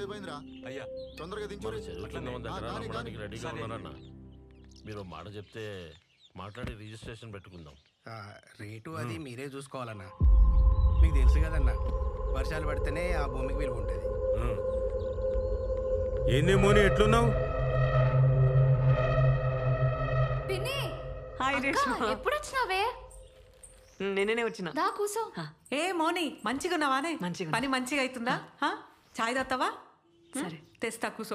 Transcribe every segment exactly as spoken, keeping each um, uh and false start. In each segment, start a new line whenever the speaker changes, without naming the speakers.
ఎంతసేపు అయిందిరా?
అయ్యా
తొందరగా దించు.
రెడీగా ఉన్నారన్న. మీరు మాట చెప్తే మాట్లాడి రిజిస్ట్రేషన్ పెట్టుకుందాం.
రేటు అది మీరే చూసుకోవాలన్నా. మీకు తెలుసు కదన్నా, వర్షాలు పడితేనే ఆ భూమికి విలువ ఉంటుంది.
ఏందేమోని ఎట్లున్నావు?
ఎప్పుడు వచ్చినావే?
నేనే వచ్చిన.
దా కూసో.
ఏ మోని మంచిగా ఉన్నావానే? మంచిగా. పని మంచిగా అవుతుందా? చాయ్ తాగుతావా? సరే తెస్తా, కూసో.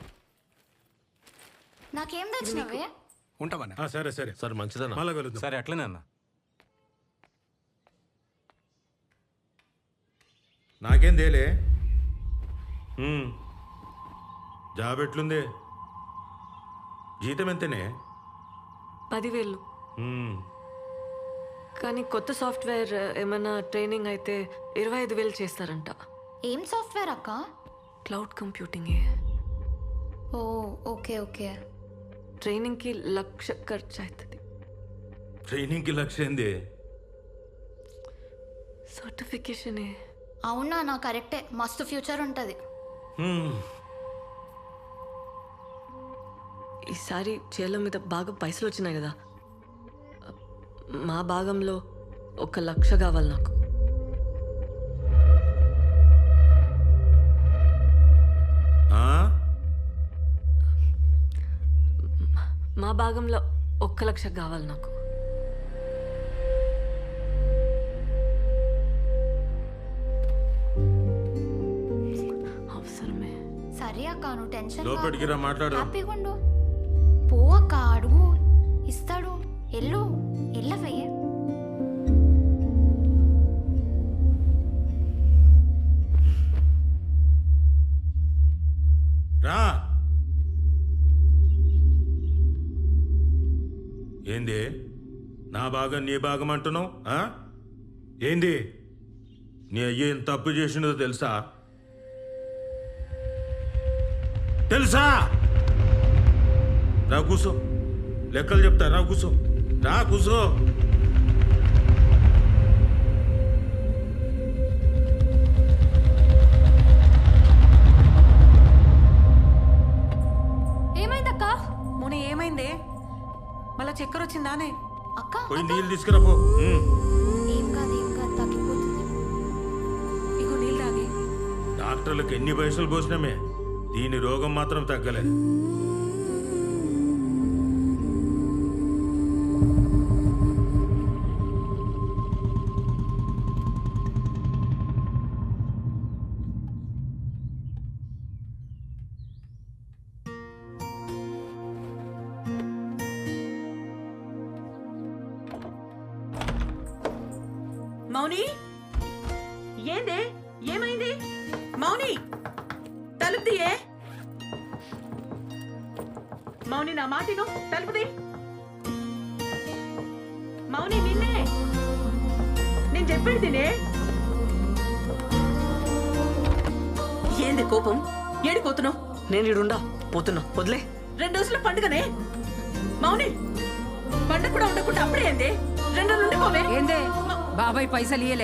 నాకేం తెచ్చినావే?
ఉంటామన్నా.
సరే సరే
సరే మంచిదన్నా.
మళ్ళా కలుద్దాం.
సరే అట్లనే అన్న.
నాకేం తేలే. జాబ్ ఎట్లుంది? జీతం ఎంతనే?
పదివేలు. కానీ కొత్త సాఫ్ట్వేర్ ఏమైనా ట్రైనింగ్ అయితే ఇరవై ఐదు వేలు చేస్తారంట.
ఏం సాఫ్ట్వేర్ అక్క?
Cloud computing.
ఓ ఓకే ఓకే.
ట్రైనింగ్కి లక్ష ఖర్చు అవుతుంది.
ట్రైనింగ్కి లక్ష ఏంది?
సర్టిఫికేషనే.
అవునా? నా కరెక్టే, మస్తు ఫ్యూచర్ ఉంటుంది.
ఈసారి చేల మీద బాగా పైసలు వచ్చినాయి కదా, మా భాగంలో ఒక లక్ష కావాలి నాకు. మా భాగంలో ఒక్క లక్ష కావాలి నాకు. అవసరమే.
సరే అక్క, నువ్వు టెన్షన్
లోపలికి రా, మాట్లాడు.
హ్యాపీగా ఉండు. పో అక్క, అడుగు, ఇస్తాడు. ఎల్లు ఎల్లవే.
రా. ఏంది నా భాగం నీ భాగం అంటున్నావు? ఏంది నీ అయ్య ఏం తప్పు చేసినదో తెలుసా? తెలుసా? రా కూసో, లెక్కలు చెప్తా. రా కూసో, రా కూసో.
ఏమైందక్క?
మొన్న ఏమైందే? మళ్ళా చక్కెర వచ్చిందానే?
అక్క
పోయి నీళ్ళు తీసుకురా పో.
ఏం కాదు ఏం కాదు, తగ్గిపోతుంది.
ఇగో నీళ్ళు తాగి.
డాక్టర్లకు ఎన్ని పైసలు పోసినామే, దీని రోగం మాత్రం తగ్గలేదు.
మౌని, ఏందే? ఏమైంది? మౌని, తలుపు తీయే. మౌని, నా మాటిను, తలుపు తీ. మౌని, నిన్నే నేను చెప్పేది తినే. ఏంది కోపం? ఏడిపోతున్నావు? నేను ఇడుండా పోతున్నా, వదిలే. రెండు రోజుల పండుగనే మౌని. పండుగ కూడా ఉండకుండా అప్పుడే ఏంది? రెండు రోజులు ఉండిపోవే.
ఏందే బాబాయ్ పైసలు ఇయ్యలే?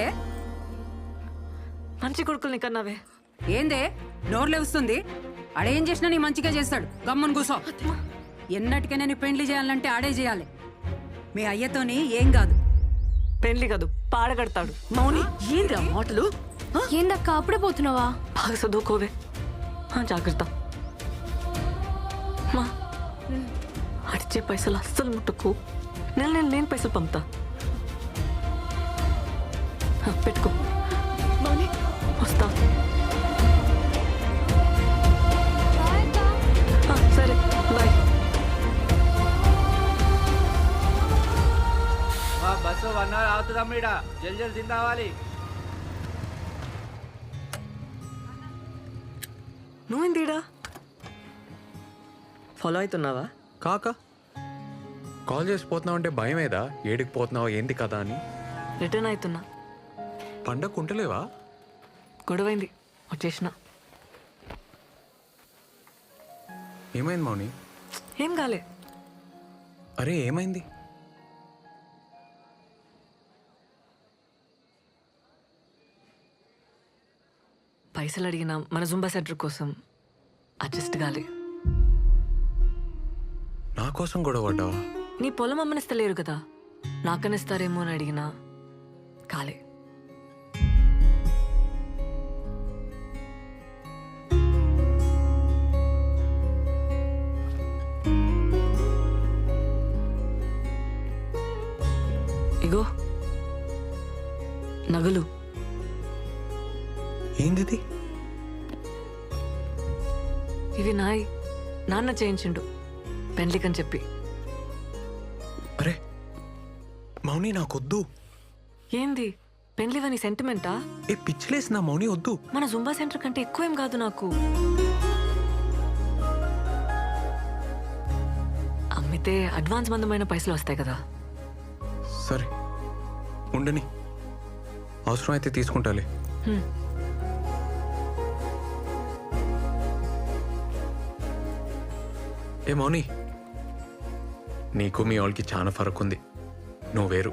మంచి కొడుకుల్ని కన్నావే.
ఏందే నోర్లే వస్తుంది? ఆడేం చేసినా నీ మంచిగా చేస్తాడు. గమ్మున కూసో. ఎన్నటికైనా నీ పెండ్లి చేయాలంటే ఆడే చేయాలి. మీ అయ్యతోని ఏం కాదు.
పెండ్లి కాదు, పాడగడతాడు. మౌని, ఏంద్రా మాటలు?
ఏందక్క అప్పుడే పోతున్నావా?
బాగా చదువుకోవే. జాగ్రత్త. మా అడిచే పైసలు అస్సలు ముట్టుకు. నెల నెల నేను పైసలు పంపుతా. పెట్టుకో. మౌని, వస్తా. సరే, బాయ్.
బస్సు వన్ అవర్ అవుతుందమ్మ. ఇడ జల్ జల్ తిందావాలి.
నువ్వేందిడా? ఫాలో అవుతున్నావా?
కాక కాల్ చేసి పోతున్నావు అంటే భయమేదా? ఏడికి పోతున్నావు ఏంది కదా అని.
రిటర్న్ అవుతున్నా.
పండగ ఉంటలేవా?
గొడవైంది, వచ్చేసిన.
ఏమైంది మౌని?
ఏం కాలే.
అరే ఏమైంది?
పైసలు అడిగిన మన జుంబా సెంటర్ కోసం అడ్జస్ట్ కాలే.
నా కోసం గొడవ పడ్డావా?
నీ పొలం అమ్మనిస్తలేరు కదా, నాకనిస్తారేమో అని అడిగినా కాలే. ఇగో నగలు.
ఏంది?
ఇవి నాయి, నాన్న చేయించిండు పెండ్లికని చెప్పి.
అరే మౌని నాకొద్దు.
ఏంది పెండ్లివని సెంటిమెంటా?
ఏ పిచ్చిలేసి నా మౌని వద్దు.
మన జుంబా సెంటర్ కంటే ఎక్కువేం కాదు నాకు. అమ్మితే అడ్వాన్స్ మందమైన పైసలు వస్తాయి కదా.
సరే ఉండని, అవసరం అయితే తీసుకుంటాలే.
హ్మ్.
ఏ మౌని, నీకు మీ వాళ్ళకి చాలా ఫరక్ ఉంది. నువ్వు వేరు.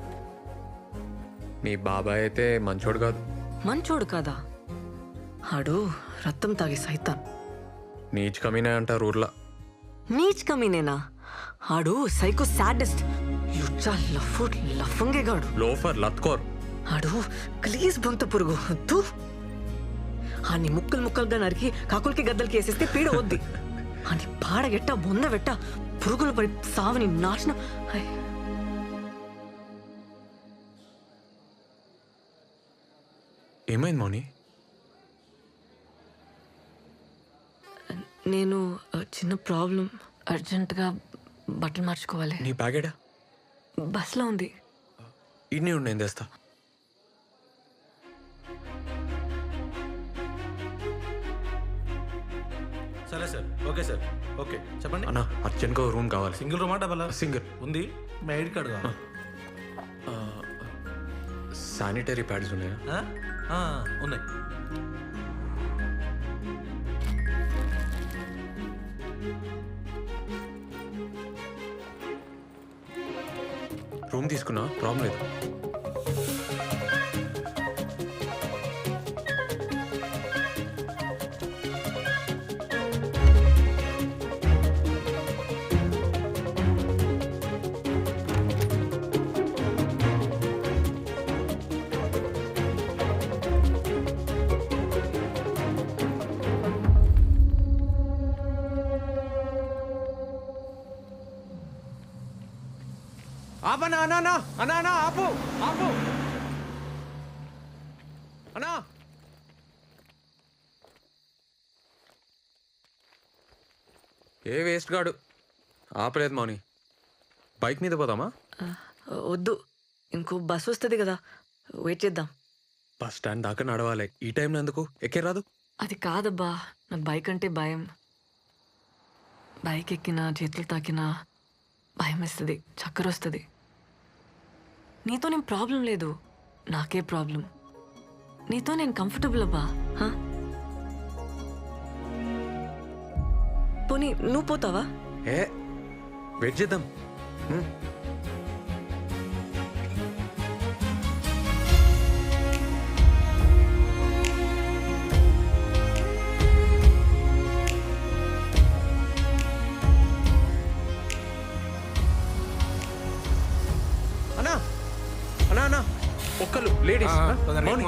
మీ బాబాయ్ అయితే మంచోడు కాదు.
మంచోడు కాదా? ఆడు రక్తం తాగి సైతాన్.
నీచ్ కమీనే అంటారు ఊర్లా.
నీచ్ కమీనేనా? ఆడు సైకో సాడెస్ట్, యుచ్చా లఫు లఫంగేగాడు.
లోఫర్ లత్కోర్.
ఆడు ప్లీజ్ బొంత పురుగు తూ. ఆని ముక్కలు ముక్కలుగా నరికి కాకులకి గద్దలకి వేసేస్తే పీడ వద్ది. అని పాడగెట్ట బొంద పెట్ట పురుగులు పడి సావని నాశనం. ఐ.
ఏమైంది మౌని?
నేను ఆ, చిన్న ప్రాబ్లం, అర్జెంటుగా బట్టలు మార్చుకోవాలి.
నీ బ్యాగేడా?
బస్లో ఉంది.
ఇన్ని ఉండి నేను తెస్తా.
సరే సార్, ఓకే సార్, ఓకే చెప్పండి.
అన్నా అర్జెంట్గా రూమ్ కావాలి.
సింగిల్ రూమా డబల్?
సింగిల్.
ఉంది. మీ ఐడి కార్డు కావాలి.
శానిటరీ ప్యాడ్స్ ఉన్నాయా?
ఆ, ఆ, ఉన్నాయి.
రూమ్ తీసుకున్నా, ప్రాబ్లం లేదు. ఆపనా అన్నా అన్నా అన్నా అన్నా ఆపు ఆపు అన్నా. ఏ వేస్ట్ గాడు ఆపలేదు మౌని. బైక్ మీద పోదామా?
ఆ, వద్దు, ఇంకో బస్ వస్తుంది కదా, వెయిట్ చేద్దాం.
బస్ స్టాండ్ దాకా నడవాలి. ఈ టైంలో ఎందుకు? ఎక్కే రాదు?
అది కాదబ్బా, నాకు బైక్ అంటే భయం. బైక్ ఎక్కినా చేతులు తాకినా భయం వేస్తుంది, చక్కెర వస్తుంది. నీతో నేను ప్రాబ్లం లేదు, నాకే ప్రాబ్లం. నీతో నేను కంఫర్టబుల్ అబ్బా. హా? పోనీ నువ్వు పోతావా?
ఏ వెయిట్ చేద్దాం. హ్మ్. అన్నా అన్నా అన్నా ఒక్కలు లేడీస్. మౌని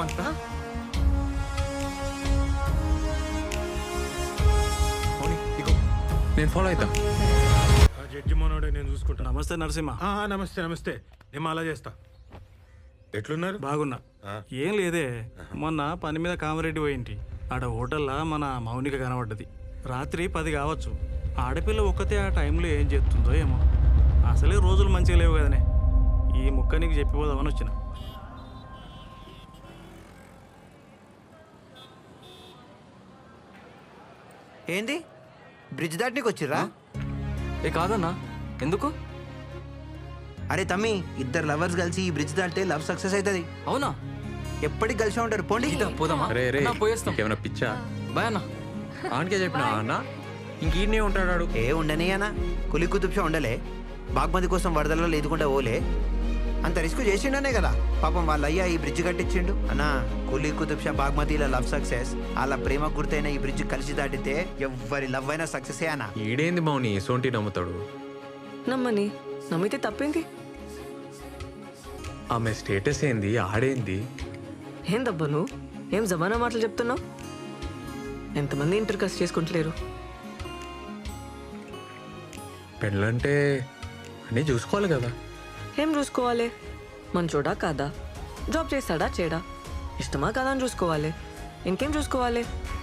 మౌని ఇగో నేను ఫాలో అవుతా.
ఆ జడ్జి మనోడే, నేను చూసుకుంటా.
నమస్తే నరసింహ.
ఆ, ఆ, నమస్తే నమస్తే. నేను అలా చేస్తా. ఎట్లున్నారు?
బాగున్నా. ఏం లేదే, మొన్న పని మీద కామరెడ్డి పోయింటి. ఆడ హోటల్లా మన మౌనిక కనబడ్డది. రాత్రి పది కావచ్చు. ఆడపిల్ల ఒక్కతే ఆ టైంలో ఏం చేస్తుందో ఏమో. అసలే రోజులు మంచిగా లేవు కదనే. ఈ ముక్క నీకు చెప్పిపోదామని వచ్చిన.
ఏంది బ్రిడ్జ్ దాటనీకి వచ్చిర్రా?
ఏ కాదన్నా, ఎందుకు?
అరే తమ్మి, ఇద్దరు లవర్స్ కలిసి ఈ బ్రిడ్జ్ దాటితే లవ్ సక్సెస్ అవుతుంది.
అవునా?
ఎప్పటికి కలిసి ఉంటారు. పోండి.
పోదామా?
రే రే
అన్నా, పోయేస్తాం.
ఏమైనా పిచ్చా?
బాయ్ అన్నా.
ఆనకే చెప్పినా అన్న ఇంక ఈడనే ఉంటాడు.
ఏ ఉండని అన్న, కులి కుతుబ్షా ఉండలే. బాగ్మతి కోసం వరదలలో లేదుకుంటా ఓలే. అంత రిస్క్ చేసిండనే కదా పాపం వాళ్ళ అయ్యా ఈ బ్రిడ్జ్ కట్టించిండు అన్నా కులీ కుతుబ్ షా బాగ్మతిల లవ్ సక్సెస్ వాళ్ళ ప్రేమ గుర్తైన ఈ బ్రిడ్జ్ కలిసి దాటితే ఎవరి లవ్ అయినా సక్సెస్ అన్నా.
ఈడేంది మౌని సోంటి నమ్ముతాడు?
నమ్మని నమ్మితే తప్పేంది?
ఆమె స్టేటస్ ఏంది, ఆడేంది?
ఏందబ్బా నువ్వు ఏం జమానా మాటలు చెప్తున్నావు? ఎంతమంది ఇంటర్ కాస్ట్ చేసుకుంటలేరు?
పెళ్ళంటే అన్నీ చూసుకోవాలి కదా.
ఏం చూసుకోవాలి? మంచోడా కాదా, జాబ్ చేస్తాడా చేయడా, ఇష్టమా కాదా అని చూసుకోవాలి. ఇంకేం చూసుకోవాలి?